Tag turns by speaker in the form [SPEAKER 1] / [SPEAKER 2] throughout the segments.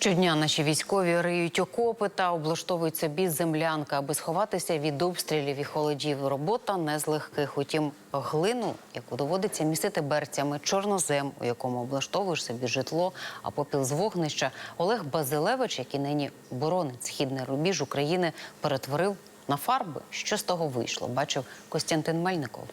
[SPEAKER 1] Щодня наші військові риють окопи та облаштовують собі землянки, аби сховатися від обстрілів і холодів. Робота не з легких. Утім, глину, яку доводиться місити берцями, чорнозем, у якому облаштовуєш собі житло, а попіл з вогнища, Олег Базилевич, який нині боронить східний рубіж України, перетворив на фарби. Що з того вийшло, бачив Костянтин Мельников.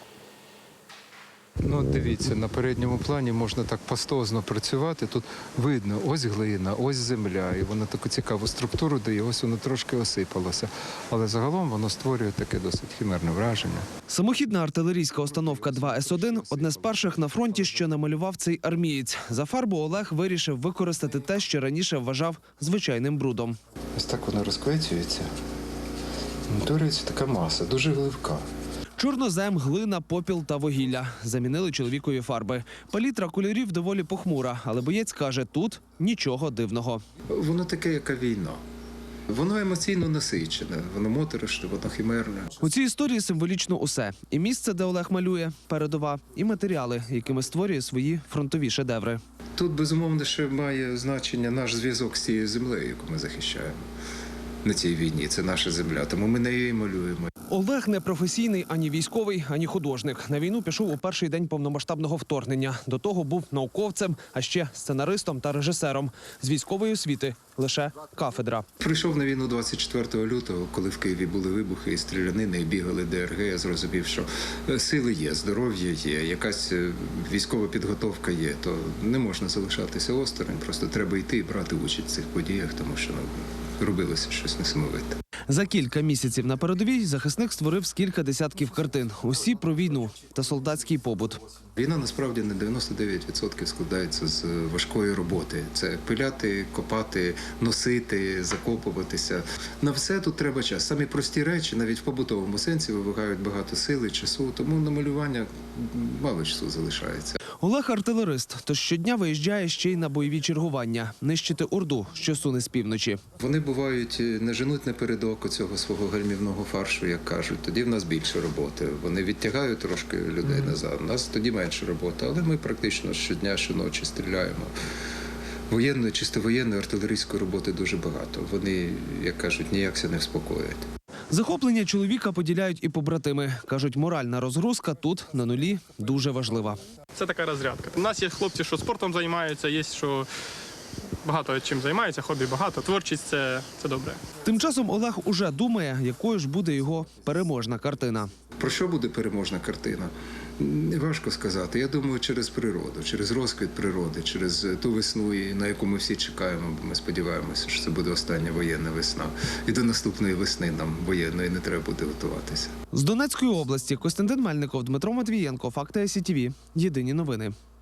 [SPEAKER 2] Ну, дивіться, на передньому плані можна так пастозно працювати. Тут видно, ось глина, ось земля, і вона таку цікаву структуру дає, ось воно трошки осипалося. Але загалом воно створює таке досить химерне враження.
[SPEAKER 3] Самохідна артилерійська установка 2С1 – одне з перших на фронті, що намалював цей армієць. За фарбу Олег вирішив використати те, що раніше вважав звичайним брудом.
[SPEAKER 2] Ось так воно розквецюється. Утворюється така маса, дуже гливка.
[SPEAKER 3] Чорнозем, глина, попіл та вугілля. Замінили чоловікові фарби. Палітра кольорів доволі похмура, але боєць каже, тут нічого дивного.
[SPEAKER 2] Воно таке, яка війна. Воно емоційно насичене, воно моторошне, воно химерне.
[SPEAKER 3] У цій історії символічно усе. І місце, де Олег малює, передова, і матеріали, якими створює свої фронтові шедеври.
[SPEAKER 2] Тут, безумовно, ще має значення наш зв'язок з цією землею, яку ми захищаємо на цій війні. Це наша земля, тому ми нею і малюємо.
[SPEAKER 3] Олег не професійний ані військовий, ані художник. На війну пішов у перший день повномасштабного вторгнення. До того був науковцем, а ще сценаристом та режисером. З військової освіти лише кафедра.
[SPEAKER 2] Прийшов на війну 24 лютого, коли в Києві були вибухи і стрілянини, і бігали ДРГ. Я зрозумів, що сили є, здоров'я є, якась військова підготовка є. То не можна залишатися осторонь, просто треба йти і брати участь в цих подіях, тому що робилося щось несамовите.
[SPEAKER 3] За кілька місяців на передовій захисник створив кілька десятків картин. Усі про війну та солдатський побут.
[SPEAKER 2] Війна насправді на 99% складається з важкої роботи. Це пиляти, копати, носити, закопуватися. На все тут треба час. Самі прості речі, навіть в побутовому сенсі, вимагають багато сили, часу, тому на малювання мало часу залишається.
[SPEAKER 3] Олег – артилерист, тож щодня виїжджає ще й на бойові чергування – нищити орду, що суне з півночі.
[SPEAKER 2] Вони бувають, не женуть напередок цього свого гальмівного фаршу, як кажуть. Тоді в нас більше роботи. Вони відтягають трошки людей назад. У нас тоді менше роботи, але ми практично щодня, щоночі стріляємо. Воєнної, чисто воєнної, артилерійської роботи дуже багато. Вони, як кажуть, ніякся не вспокоять.
[SPEAKER 3] Захоплення чоловіка поділяють і побратими. Кажуть, моральна розгрузка тут, на нулі, дуже важлива.
[SPEAKER 4] Це така розрядка. У нас є хлопці, що спортом займаються, є, що багато чим займаються, хобі багато, творчість – це добре.
[SPEAKER 3] Тим часом Олег уже думає, якою ж буде його переможна картина.
[SPEAKER 2] Про що буде переможна картина? Важко сказати. Я думаю, через природу, через розквіт природи, через ту весну, на яку ми всі чекаємо, бо ми сподіваємося, що це буде остання воєнна весна. І до наступної весни нам воєнної не треба буде готуватися.
[SPEAKER 3] З Донецької області Костянтин Мельников, Дмитро Матвієнко, Факти СІТВ. Єдині новини.